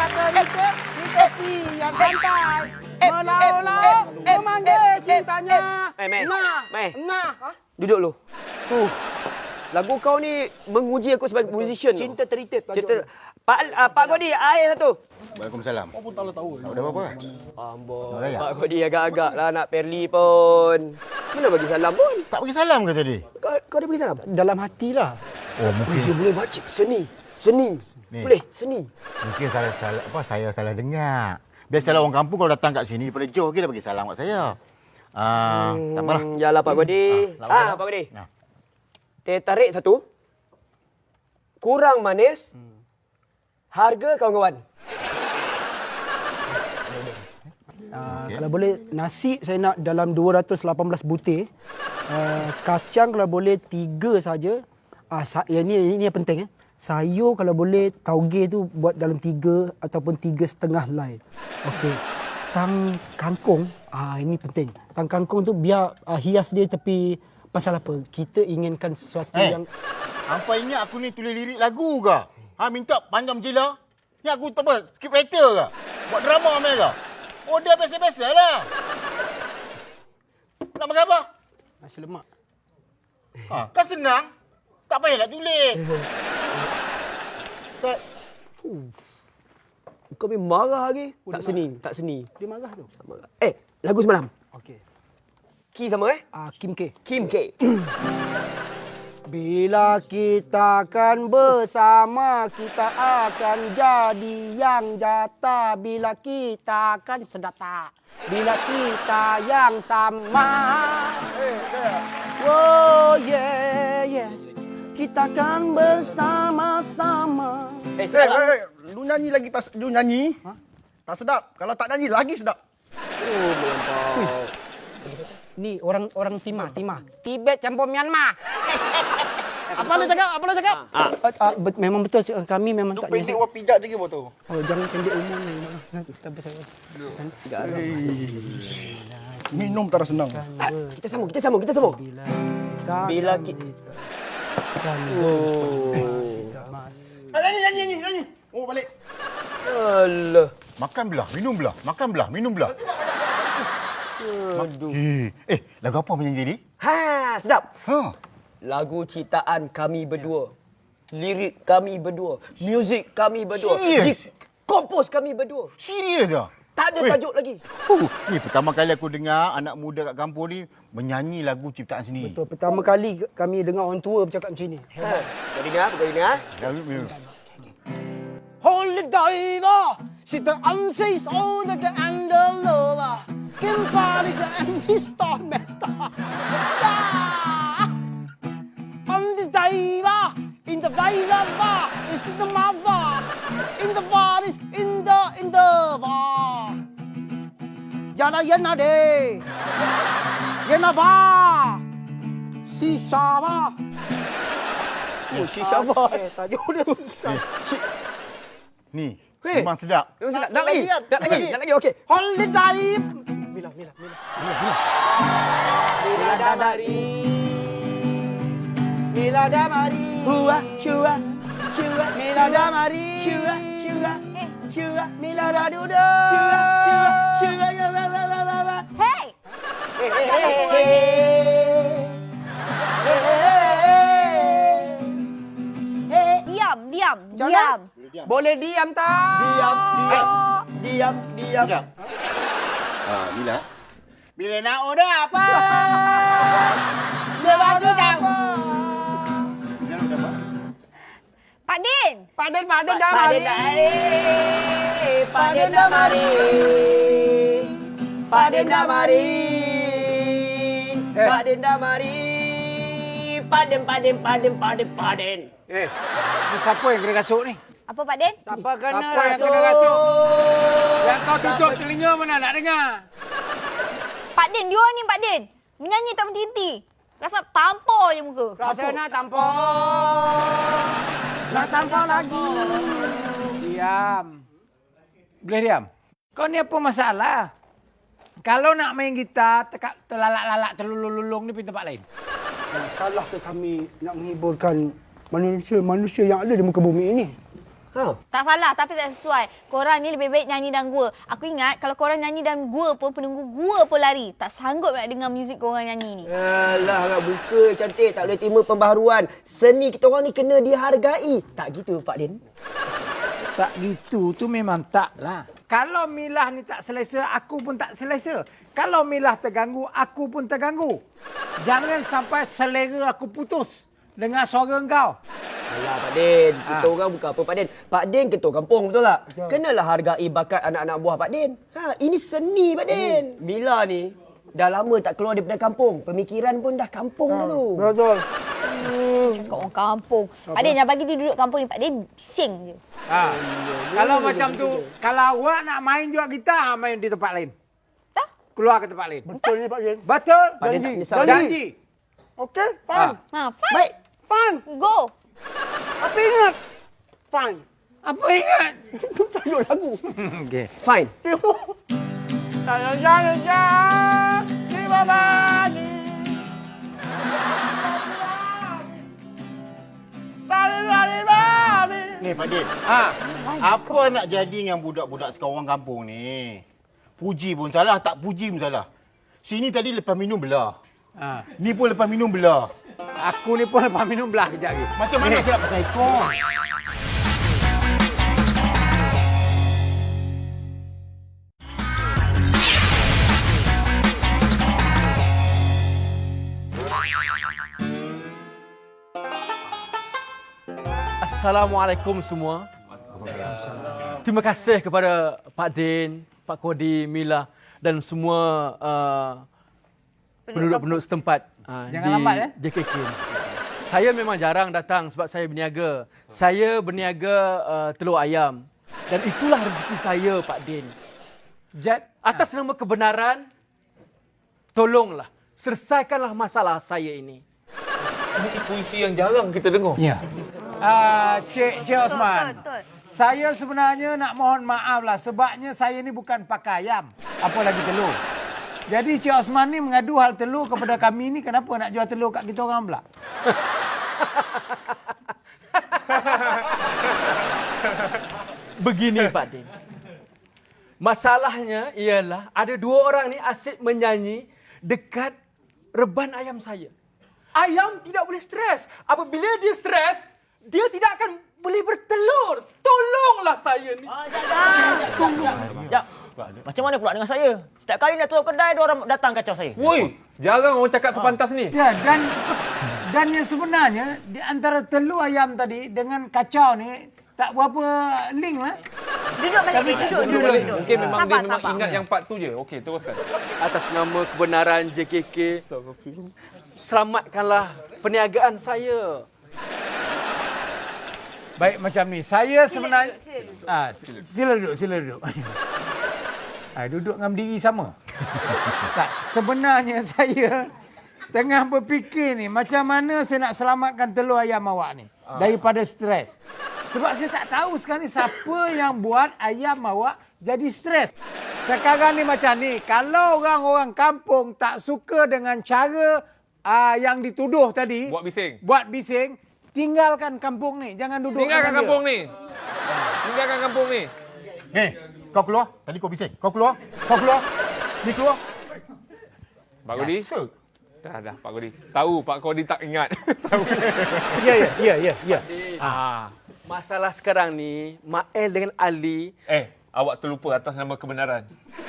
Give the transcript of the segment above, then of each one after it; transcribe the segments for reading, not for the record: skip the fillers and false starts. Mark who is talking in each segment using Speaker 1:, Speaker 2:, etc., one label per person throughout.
Speaker 1: terita di tepi yang pantai. Melalau, memanggil cintanya. Nah.
Speaker 2: Duduk lu. Lagu kau ni menguji aku sebagai musician.
Speaker 1: Cinta terita.
Speaker 2: Pak Godi, air satu.
Speaker 3: Waalaikumsalam.
Speaker 1: Kau pun tak tahu.
Speaker 3: Tak ada apa-apa.
Speaker 2: Ambon.
Speaker 3: Tak layak.
Speaker 2: Pak Godi agak-agak lah nak Perli pun. Mana bagi salam pun?
Speaker 3: Tak bagi salam ke tadi?
Speaker 2: Kau ada bagi salam?
Speaker 1: Dalam hatilah.
Speaker 3: Oh, mungkin
Speaker 2: Dia boleh baca seni.
Speaker 3: Ni.
Speaker 2: Boleh, seni.
Speaker 3: mungkin saya salah dengar. Biasalah orang kampung kalau datang kat sini daripada jauh dia bagi salam kat saya. Tak apalah.
Speaker 2: Yalah Pak Godi. Pak Godi.
Speaker 3: Nah.
Speaker 2: Teh tarik satu. Kurang manis. Harga kawan-kawan.
Speaker 1: Kalau boleh nasi saya nak dalam 218 butir. Kacang kalau boleh 3 saja. Ini yang penting. Sayur kalau boleh tauge tu buat dalam 3 ataupun 3,5 helai. Okey. Tang kangkung, ini penting. Tang kangkung tu biar hias dia tapi pasal apa? Kita inginkan sesuatu yang...
Speaker 3: Hampa ingat aku ni tulis lirik lagu ke? Minta pandam jela? Ni aku tak apa, script writer ke? Buat drama ambil ke? Oh, dia biasa-biasa lah. Nak makan apa?
Speaker 1: Nasi lemak.
Speaker 3: Kan senang. Tak payah nak tulis.
Speaker 2: Kau ni marah lagi. Tak seni.
Speaker 1: Dia marah tu.
Speaker 2: Tak marah. Lagu semalam.
Speaker 1: Okey.
Speaker 2: Ki sama
Speaker 1: Kim K.
Speaker 2: Kim K.
Speaker 1: Bila kita akan bersama, kita akan jadi yang jata. Bila kita akan sedap tak? Bila kita yang sama. Oh yeah. Kita akan bersama-sama.
Speaker 4: Lu nyanyi lagi tak lu nyanyi? Tak sedap. Kalau tak nyanyi lagi sedap.
Speaker 2: Oh, melampau.
Speaker 1: Ni orang Timah. Tibet campur Myanmar. Apa lu cakap? Memang betul kami memang
Speaker 4: Tu
Speaker 1: tak
Speaker 4: pendek wah pijak je ke tu.
Speaker 1: Oh, jangan pendek umur ni. Tak pasal.
Speaker 4: Minum tak senang.
Speaker 2: Kita sambung. Bila kita...
Speaker 4: Nyanyi. Oh, balik.
Speaker 2: Alah.
Speaker 3: Makan belah, minum belah. Makan belah, minum belah.
Speaker 2: Aduh.
Speaker 3: Lagu apa penyanyi tadi?
Speaker 2: Sedap.
Speaker 3: Lagu
Speaker 2: Lagu ciptaan kami berdua. Lirik kami berdua. Muzik kami berdua.
Speaker 3: Serius?
Speaker 2: Kompos kami berdua.
Speaker 3: Serius ke?
Speaker 2: Tak ada tajuk lagi.
Speaker 3: Ni pertama kali aku dengar anak muda kat kampung ni menyanyi lagu ciptaan sendiri.
Speaker 1: Betul. Pertama kali kami dengar orang tua bercakap macam ni.
Speaker 2: Kau dengar?
Speaker 1: Holy diver, sitter anses older and the lover. Kim Paris and his stormmaster. On the diver, in the fire bar, is the mother. In the bar is in the bar. Jana yana de. Yana ba. Sisa ba.
Speaker 2: Oh, shisha bar.
Speaker 1: Tajuk dia sisa.
Speaker 3: Ni, memang sedap.
Speaker 2: Nak lagi. Okey.
Speaker 1: Holy dive. Mila. Mila damari.
Speaker 2: Hua, shua.
Speaker 1: Mila damari.
Speaker 2: Shua.
Speaker 1: Mila da duda.
Speaker 2: Shua.
Speaker 5: Hei! Diam.
Speaker 1: Boleh diam tak?
Speaker 2: Diam.
Speaker 3: Mila. Bila nak order apa?
Speaker 1: Jawab tidak.
Speaker 5: Pak Din.
Speaker 1: Paden damari.
Speaker 2: Paden damari. Paden damari. Paden.
Speaker 4: Ni siapa yang kena rasuk ni?
Speaker 5: Apa Pak Din?
Speaker 1: Siapa kena
Speaker 4: Siapa yang
Speaker 1: rasuk?
Speaker 4: kena rasuk? Yang kau tutup telinga mana nak dengar?
Speaker 5: Pak Din, dia ni Pak Din. Menyanyi tak berhenti. Rasa tampar je muka.
Speaker 1: Rasa nak tampar. Nak tampar lagi.
Speaker 4: Diam. Boleh diam? Kau ni apa masalah? Kalau nak main gitar, terlalak-lalak, terlulung-lulung ni pintu tempat lain.
Speaker 1: Salah ke kami nak menghiburkan manusia yang ada di muka bumi ini?
Speaker 2: Ha.
Speaker 5: Tak salah tapi tak sesuai. Korang ni lebih baik nyanyi dalam gua. Aku ingat kalau korang nyanyi dalam gua pun penunggu gua pun lari. Tak sanggup nak dengar muzik korang nyanyi ni.
Speaker 2: Alah, nak buka cantik. Tak boleh terima pembaharuan. Seni kita orang ni kena dihargai. Tak gitu, Pak Din?
Speaker 4: Tak gitu tu memang tak lah. Kalau Milah ni tak selesa, aku pun tak selesa. Kalau Milah terganggu, aku pun terganggu. Jangan sampai selera aku putus dengan suara engkau.
Speaker 2: Alah, Pak Din. Kita orang bukan apa, Pak Din. Pak Din ketua kampung, betul tak? Kenalah hargai bakat anak-anak buah Pak Din. Ini seni, Pak Din. Mila ni dah lama tak keluar daripada kampung. Pemikiran pun dah kampung dulu.
Speaker 1: Betul.
Speaker 5: Cakap orang kampung. Pak Din, jangan bagi dia duduk kampung ni. Pak Din bising je.
Speaker 4: Kalau macam tu, kalau awak nak main juga gitar, main di tempat lain.
Speaker 5: Tak?
Speaker 4: Keluar ke tempat lain.
Speaker 1: Betul ni Pak Din.
Speaker 4: Betul?
Speaker 2: Pak Din tak menyesal.
Speaker 4: Janji.
Speaker 1: Okey, fine.
Speaker 5: Fine.
Speaker 2: Baik.
Speaker 1: Fine.
Speaker 5: Go.
Speaker 1: Apa ingat? Fine.
Speaker 4: Apa ingat?
Speaker 1: Tajuk lagu.
Speaker 4: Okey.
Speaker 2: Fine.
Speaker 1: Di bawah ni.
Speaker 3: Ni Pak Din. Apa nak jadi dengan budak-budak sekarang kampung ni? Puji pun salah, tak puji pun salah. Sini tadi lepas minum belah. Ni pun lepas minum belah.
Speaker 4: Aku ni pun lepas minum belah kejap lagi.
Speaker 3: Macam mana saya nak pasal ekor?
Speaker 6: Assalamualaikum semua. Terima kasih kepada Pak Din, Pak Kodi, Mila dan semua penduduk-penduduk setempat
Speaker 4: Jangan
Speaker 6: di
Speaker 4: lambat,
Speaker 6: JKK. Saya memang jarang datang sebab saya berniaga. Saya berniaga telur ayam. Dan itulah rezeki saya, Pak Din. Atas nama kebenaran, tolonglah, selesaikanlah masalah saya ini.
Speaker 7: Ini puisi yang jarang kita dengar.
Speaker 4: Ya. Cik Osman.
Speaker 5: Betul.
Speaker 4: Saya sebenarnya nak mohon maaf lah sebabnya saya ni bukan pakai ayam. Apalagi telur. Jadi Cik Osman ni mengadu hal telur kepada kami ni, kenapa nak jual telur kat kita orang pula?
Speaker 6: Begini Pak Din. Masalahnya ialah ada dua orang ni asyik menyanyi dekat reban ayam saya. Ayam tidak boleh stres. Apabila dia stres, dia tidak akan boleh bertelur. Tolonglah saya ni.
Speaker 2: Ya. Macam mana pula dengan saya? Setiap kali nak tutup kedai, ada orang datang kacau saya.
Speaker 7: Woi, jarang orang cakap sepantas ni.
Speaker 4: Ya, dan yang sebenarnya di antara telur ayam tadi dengan kacau ni tak berapa link lah.
Speaker 5: Duduk balik. Duduk.
Speaker 7: Mungkin memang
Speaker 5: Sabar,
Speaker 7: dia memang
Speaker 5: sabar.
Speaker 7: ingat yang part tu je. Okey, teruskan.
Speaker 6: Atas nama kebenaran JKK, selamatkanlah perniagaan saya.
Speaker 4: Baik macam ni. Saya sebenarnya sila duduk. Duduk dengan berdiri sama. Tak, sebenarnya saya tengah berfikir ni macam mana saya nak selamatkan telur ayam awak ni daripada stres. Sebab saya tak tahu sekarang ni siapa yang buat ayam awak jadi stres. Sekarang ni macam ni, kalau orang-orang kampung tak suka dengan cara yang dituduh tadi, buat bising, tinggalkan kampung ni, jangan duduk.
Speaker 7: Tinggalkan kampung ni. Tinggalkan kampung ni.
Speaker 3: Kau keluar. Tadi kau bising. Kau keluar. Ni keluar.
Speaker 7: Pak Kodi?
Speaker 3: Biasa.
Speaker 7: Dah, Pak Kodi. Tahu Pak Kodi tak ingat. Tahu.
Speaker 4: Ya.
Speaker 6: Masalah sekarang ni, Mael dengan Ali.
Speaker 7: Awak terlupa atas nama kebenaran.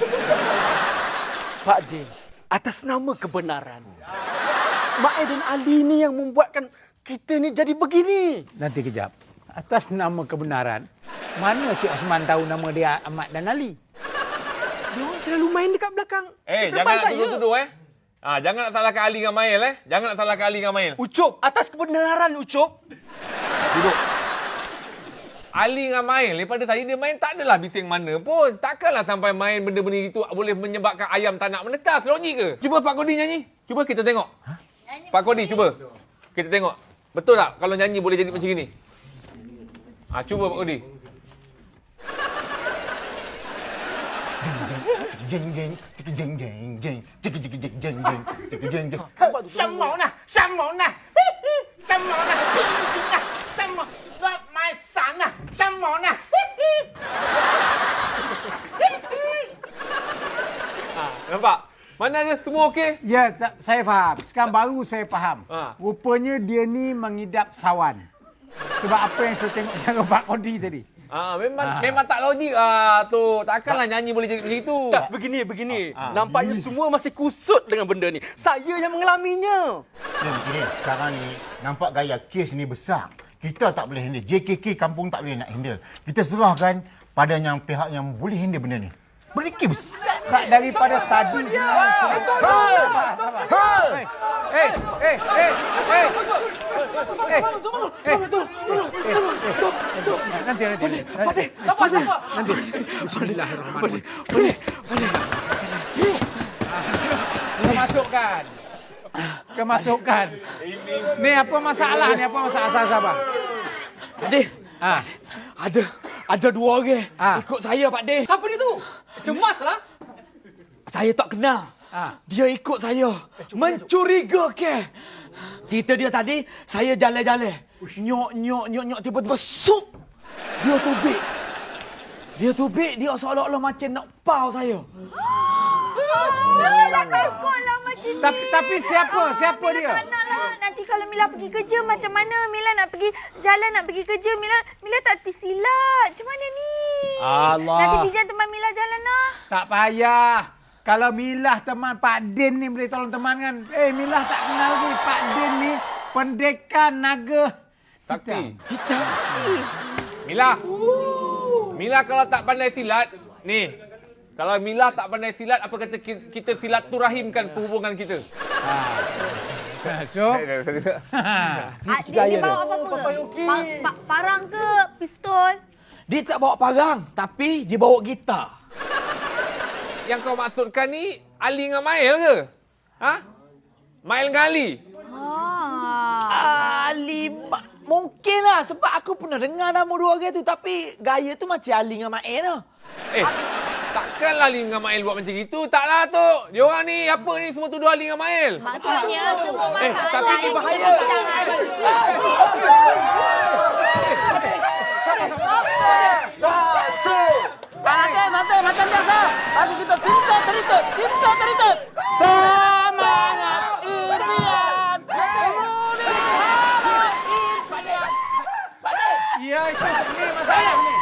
Speaker 6: Pak Din, atas nama kebenaran. Mael dan Ali ni yang membuatkan kita ni jadi begini.
Speaker 4: Nanti kejap. Atas nama kebenaran, mana Cik Osman tahu nama dia Ahmad dan Ali?
Speaker 6: Dia orang selalu main dekat belakang.
Speaker 7: Jangan nak tuduh-tuduh jangan nak salahkan Ali dengan Mail Jangan nak salahkan Ali dengan Mail.
Speaker 6: Ucup, atas kebenaran Ucup.
Speaker 7: Duduk. Ali dengan Mail, daripada tadi dia main tak adalah bising mana pun. Takkanlah sampai main benda-benda itu boleh menyebabkan ayam tak nak menetas. Logik ke? Cuba Pak Kodi nyanyi. Cuba kita tengok. Pak Kodi cuba. Kita tengok. Betul tak kalau nyanyi boleh jadi macam ni? Cuba Pak Kodi.
Speaker 3: Jeng.
Speaker 7: Mana dia semua okey?
Speaker 4: Ya, saya faham. Sekarang baru saya faham.
Speaker 7: Ha.
Speaker 4: Rupanya dia ni mengidap sawan. Sebab apa yang saya tengok cara Pak Kodi tadi.
Speaker 7: Memang tak logik lah tu. Takkanlah nyanyi boleh jadi macam itu.
Speaker 6: Tak, begini. Nampaknya semua masih kusut dengan benda ni. Saya yang mengalaminya.
Speaker 3: Begini, sekarang ni nampak gaya kes ni besar. Kita tak boleh handle. JKK kampung tak boleh nak handle. Kita serahkan pada yang pihak yang boleh handle benda ni. Benda ni kes besar.
Speaker 4: Tak, daripada tadi sebenarnya. Nanti. Bismillahirrahmanirrahim. Kemasukan. Ni apa masalah ni? Apa masalah sabar?
Speaker 6: Adik, ada dua orang ikut saya, Pak Din.
Speaker 2: Siapa dia tu? Cemaslah.
Speaker 6: Saya tak kenal. Dia ikut saya. Mencurigakan. Cerita dia tadi, saya jalan-jalan. Nyok, tiba-tiba sup. Dia tubik, dia seolah-olah macam nak pau saya.
Speaker 5: Mila takutlah macam ni.
Speaker 4: Tapi siapa dia?
Speaker 5: Tak nak lah. Nanti kalau Mila pergi kerja macam mana? Mila nak pergi jalan, nak pergi kerja. Mila tak tersilat. Macam mana ni?
Speaker 4: Allah.
Speaker 5: Nanti Bijan teman Mila jalan lah.
Speaker 4: Tak payah. Kalau Milah teman Pak Din ni boleh tolong teman kan. Milah tak kenal lagi. Pak Din ni pendekar naga
Speaker 7: Sakti.
Speaker 5: Hitam.
Speaker 7: Mila kalau tak pandai silat, ni. Kalau Mila tak pandai silat, apa kata kita silaturahimkan perhubungan kita?
Speaker 4: So,
Speaker 5: Dia bawa apa-apa ke? Parang ke? Pistol?
Speaker 6: Dia tak bawa parang, tapi dia bawa gitar.
Speaker 7: Yang kau maksudkan ni Ali dengan Mail ke? Ha? Mail dengan Ali?
Speaker 6: Ali, mungkinlah sebab aku pernah dengar nama dua orang tu, tapi gaya tu macam Ali dengan Mail lah.
Speaker 7: Takkanlah Ali dengan Mail buat macam itu. Taklah tu. Diorang ni apa ni semua tuduh Ali dengan Mail.
Speaker 5: Maksudnya semua masalah
Speaker 7: tapi ini
Speaker 5: yang
Speaker 7: bahaya.
Speaker 5: kita bincang hari.
Speaker 3: Nanti macam biasa. Lagu kita cinta teritup. Semangat impian.
Speaker 4: ya itu ni masalah ni.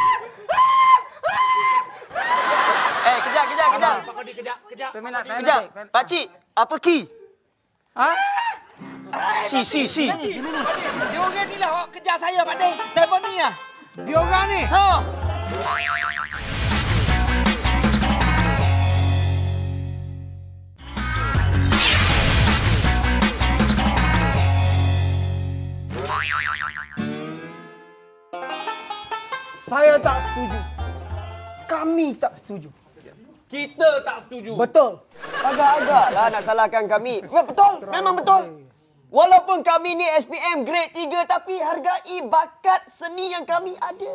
Speaker 2: Kejap.
Speaker 6: Pak Kodi, kejap.
Speaker 2: Kejap. Pakcik, apa ki?
Speaker 4: Ha?
Speaker 2: Si.
Speaker 6: Dia orang ni lah awak kejar saya, Pak Din. Telefon ni lah.
Speaker 4: Dia orang ni.
Speaker 1: Saya tak setuju. Kami tak setuju.
Speaker 7: Kita tak setuju.
Speaker 1: Betul.
Speaker 2: Agak-agaklah nak salahkan kami. Betul. Memang betul. Walaupun kami ni SPM grade 3 tapi hargai bakat seni yang kami ada.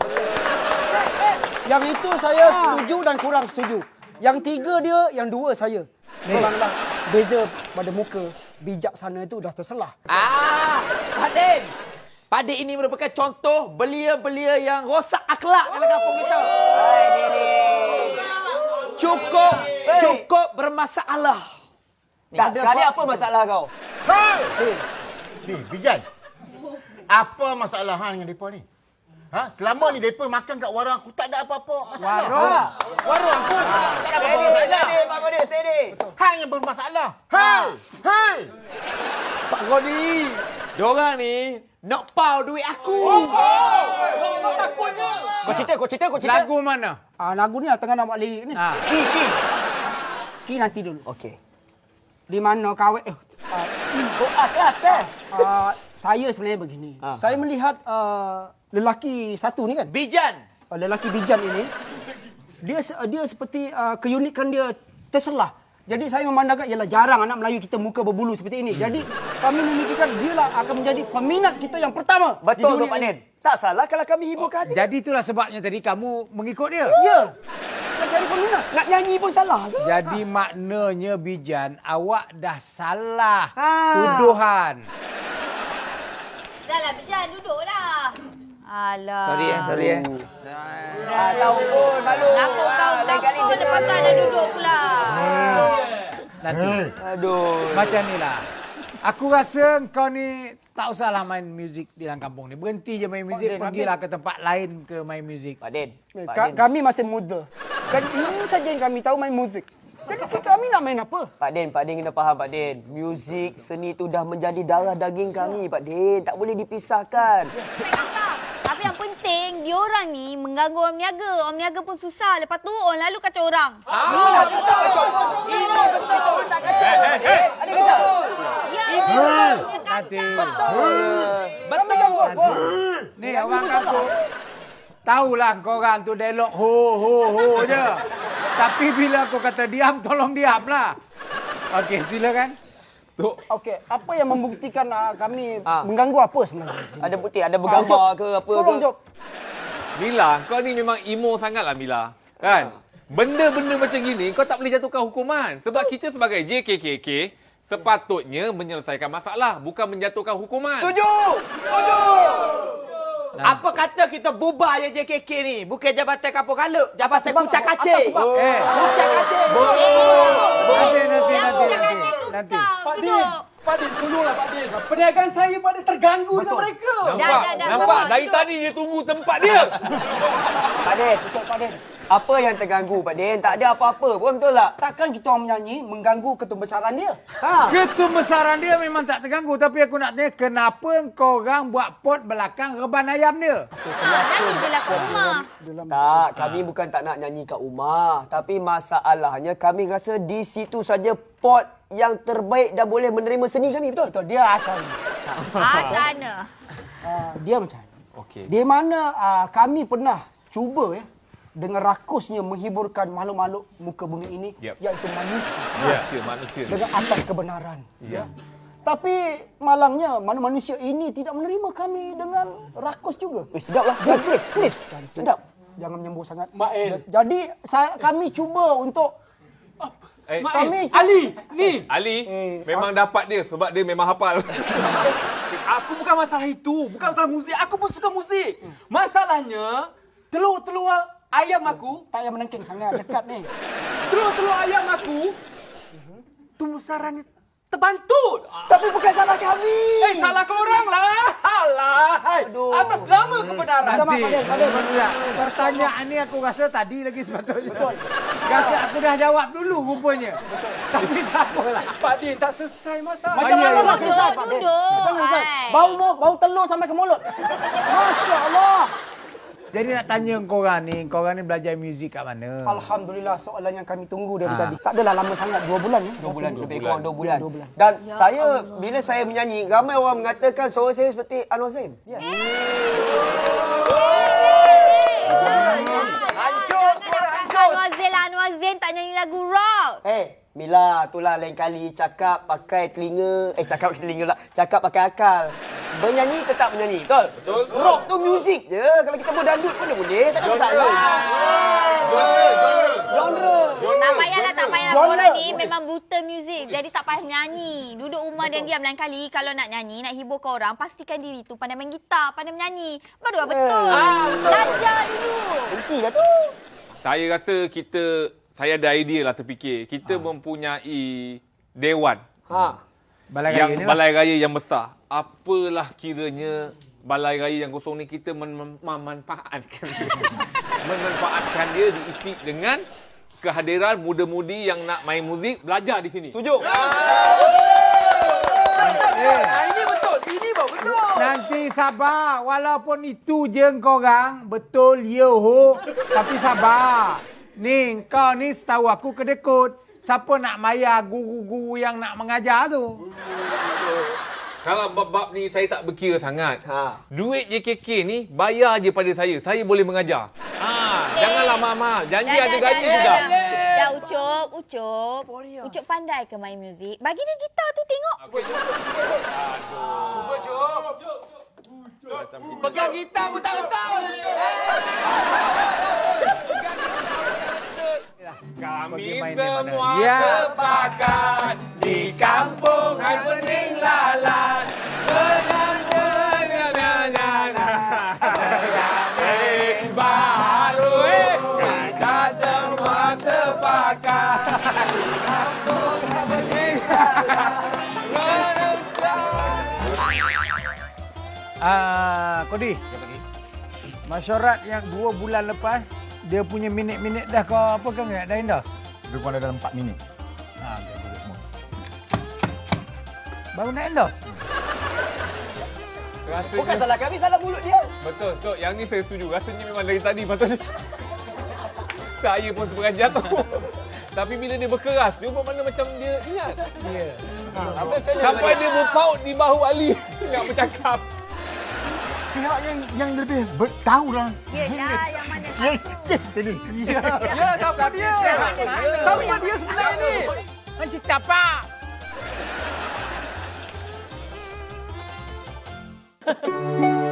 Speaker 1: Yang itu saya setuju dan kurang setuju. Yang 3 dia, yang 2 saya. Memanglah beza pada muka bijaksana itu dah terselah.
Speaker 6: Pak Din. Pak Din ini merupakan contoh belia-belia yang rosak akhlak dalam kampung kita. Cukup bermasalah.
Speaker 2: Tak, sekali apa masalah kau?
Speaker 3: Ni, Bijan. Apa masalah hang dengan depa ni? Ha? Selama ni depa makan kat warung aku tak ada apa-apa masalah. Warung aku tak ada apa-apa masalah.
Speaker 2: Pak Kodi, steady.
Speaker 3: Hang yang bermasalah. Hei.
Speaker 6: Pak Kodi, diorang ni nak pau duit aku.
Speaker 2: Kau cerita.
Speaker 4: Lagu mana?
Speaker 1: Lagu ni tengah nak buat lirik ni. Ki nanti dulu.
Speaker 2: Okey.
Speaker 1: Di mana kawet? Saya sebenarnya begini. Saya melihat lelaki satu ni kan.
Speaker 6: Bijan.
Speaker 1: Lelaki Bijan ini dia seperti keunikan dia terselah. Jadi saya memandangkan ialah jarang anak Melayu kita muka berbulu seperti ini. Jadi kami memikirkan dialah akan menjadi peminat kita yang pertama.
Speaker 2: Betul tu
Speaker 1: di dunia
Speaker 2: Pak
Speaker 1: ini.
Speaker 2: Din. Tak salah kalau kami hiburkan hati.
Speaker 4: Jadi itulah sebabnya tadi kamu mengikut dia.
Speaker 1: Ya. Nak cari peminat.
Speaker 2: Nak nyanyi pun salah ke?
Speaker 4: Jadi maknanya Bijan, awak dah salah tuduhan.
Speaker 5: Dah lah, Bijan. Duduklah. Alah.
Speaker 6: Sorry eh.
Speaker 2: Tahu pun malu.
Speaker 5: Nakut kau. Lepas tu ada duduk pula.
Speaker 4: Nanti.
Speaker 2: Aduh.
Speaker 4: Macam ni lah. Aku rasa kau ni tak usahlah main muzik di dalam kampung ni. Berhenti je main muzik,
Speaker 1: Din,
Speaker 4: pergilah ke tempat lain ke main muzik.
Speaker 2: Pak Din.
Speaker 1: Kami masih muda. Dan ini saja yang kami tahu main muzik. Jadi kami nak main apa?
Speaker 2: Pak Din kena faham Pak Din. Muzik, seni tu dah menjadi darah daging kami Pak Din. Tak boleh dipisahkan.
Speaker 5: Tak kisah. Tapi yang penting, diorang ni mengganggu orang niaga. Orang niaga pun susah. Lepas tu, orang lalu kacau orang.
Speaker 4: Nanti.
Speaker 2: Betul.
Speaker 4: Ni orang kampung. Tahulah korang tu dialog ho je. Tapi bila aku kata diam, tolong diamlah. Okey, silakan.
Speaker 1: Okey, apa yang membuktikan kami mengganggu apa sebenarnya?
Speaker 2: Ada bukti, ada bergambar ke apa ke?
Speaker 1: Tolong jawab.
Speaker 7: Mila, kau ni memang emo sangatlah Mila. Kan? Benda-benda macam gini kau tak boleh jatuhkan hukuman. Sebab kita sebagai JKKK sepatutnya menyelesaikan masalah, bukan menjatuhkan hukuman.
Speaker 2: Setuju. Apa kata kita bubar je JKK ni? Bukan Jabatan Kampung Kaluk, Jabatan Kucak Kacir. Kucak Kacir.
Speaker 4: Nanti.
Speaker 5: Kau duduk.
Speaker 6: Pak Din, tolonglah Pak Din. Perniagaan saya pada terganggu dengan mereka.
Speaker 5: Dah,
Speaker 7: Nampak?
Speaker 5: sama,
Speaker 7: Dari
Speaker 5: duduk.
Speaker 7: tadi dia tunggu tempat dia.
Speaker 2: Pak Din. Apa yang terganggu Pak Din? Tak ada apa-apa pun, betul tak?
Speaker 1: Takkan kita orang menyanyi mengganggu ketumbesaran dia?
Speaker 4: Ketumbesaran dia memang tak terganggu. Tapi aku nak tanya, kenapa korang buat pot belakang reban ayam dia?
Speaker 5: Nyanyi je lah kat rumah.
Speaker 2: Tak, kami bukan tak nak nyanyi kat rumah. Tapi masalahnya kami rasa di situ saja pot yang terbaik dan boleh menerima seni kami, betul?
Speaker 1: Betul, dia akan.
Speaker 5: Macam mana?
Speaker 1: Dia macam mana?
Speaker 7: Okey.
Speaker 1: Di mana kami pernah cuba dengan rakusnya menghiburkan makhluk-makhluk muka bumi ini,
Speaker 7: Yep.
Speaker 1: iaitu manusia.
Speaker 7: Manusia.
Speaker 1: Dengan atas kebenaran.
Speaker 7: Ya.
Speaker 1: Tapi malangnya manusia ini tidak menerima kami dengan rakus juga.
Speaker 2: Sedap lah. Tulis. Sedap.
Speaker 1: Jangan menyembur sangat.
Speaker 6: Mael.
Speaker 1: Jadi kami cuba untuk
Speaker 6: Mael. Ali, ni.
Speaker 7: Ali memang dapat dia sebab dia memang hafal.
Speaker 6: Aku bukan masalah itu. Bukan masalah muzik. Aku pun suka muzik. Masalahnya, telur-telur ayam aku,
Speaker 1: tak payah menengking sangat dekat ni.
Speaker 6: telur-telur ayam aku, tumbusarannya terbantut.
Speaker 2: Tapi bukan salah kami.
Speaker 6: Salah korang lah. Alah. Atas nama kebenaran.
Speaker 4: Nanti. Pertanyaan ni aku rasa tadi lagi sepatutnya. Betul. Rasa aku dah jawab dulu rupanya. Tapi tak apalah.
Speaker 6: Pak Din, tak selesai masalah.
Speaker 1: Macam mana nak selesai, Pak Din?
Speaker 5: Duduk.
Speaker 1: Macam mana selesai?
Speaker 5: Ai.
Speaker 1: Bau telur sampai ke mulut. Masya Allah.
Speaker 4: Jadi nak tanya korang ni belajar muzik kat mana?
Speaker 1: Alhamdulillah, soalan yang kami tunggu dari tadi. Tak adalah lama sangat, 2 bulan.
Speaker 2: 2 bulan, lebih kurang 2 bulan.
Speaker 1: 2 bulan.
Speaker 2: Dan bila saya menyanyi, ramai orang mengatakan suara saya seperti Anwar Zain.
Speaker 5: Hancur, suara hancur. Anwar Zain tak nyanyi lagu rock.
Speaker 2: Mila, itulah lain kali cakap pakai telinga, cakap pakai akal. Menyanyi tetap menyanyi, betul? Betul. Rock tu muzik je. Kalau kita mau dandut pun boleh, tak ada masalah. Genre.
Speaker 5: Tak payahlah. Korang ni memang buta muzik. Jadi tak payah nyanyi. Duduk rumah dan diam. Lain kali kalau nak nyanyi, nak hibur korang, pastikan diri tu pandai main gitar, pandai menyanyi. Baru lah betul. Belajar dulu.
Speaker 2: Benci lah tu.
Speaker 7: Saya rasa saya ada idea lah terfikir. Kita mempunyai dewan. Balai raya yang besar. Apalah kiranya balai raya yang kosong ni kita memanfaatkan dia. Memanfaatkan dia diisi dengan kehadiran muda-mudi yang nak main muzik, belajar di sini.
Speaker 2: Setuju.
Speaker 6: Ini betul. Ini baru betul.
Speaker 4: Nanti sabar. Walaupun itu je korang. Betul, ya ho. Tapi sabar. Ni, kau ni setahu aku kedekut. Siapa nak mayar guru-guru yang nak mengajar tu?
Speaker 7: Kalau bab-bab ni saya tak berkira sangat. Duit JKK ni bayar je pada saya. Saya boleh mengajar. Janganlah mahal-mahal. Janji ada gaji sudah.
Speaker 5: Dah Ucup. Ucup pandai ke main muzik? Bagi dia gitar tu tengok.
Speaker 6: Cuba, Cuk. Pegang gitar pun tak betul.
Speaker 7: Kami
Speaker 4: Pergi main di mana?
Speaker 7: semua
Speaker 4: Ya.
Speaker 7: sepakat di kampung happening lalat. Baru kita semua sepakat.
Speaker 4: Kodi. Masyarakat yang 2 bulan lepas, dia punya minit-minit dah kau apa kan dah endorse?
Speaker 3: Lebih kurang dalam 4 minit.
Speaker 4: Okey, bagus semua. Baru nak endorse?
Speaker 7: Rasanya,
Speaker 2: Bukan salah kami, salah mulut dia.
Speaker 7: betul. So, yang ni saya setuju. Rasanya memang dari tadi patut saya pun sebenarnya jatuh. Tapi bila dia berkeras, dia buat mana macam dia ingat.
Speaker 4: Ya.
Speaker 7: Sampai dia berpaut di bahu Ali nak bercakap.
Speaker 3: Pihak yang lebih tahu lah.
Speaker 5: Yelah, yang mana
Speaker 3: Yes, tadi.
Speaker 6: Ya, siapa dia? Siapa dia sebenarnya ni? Hancur tapak.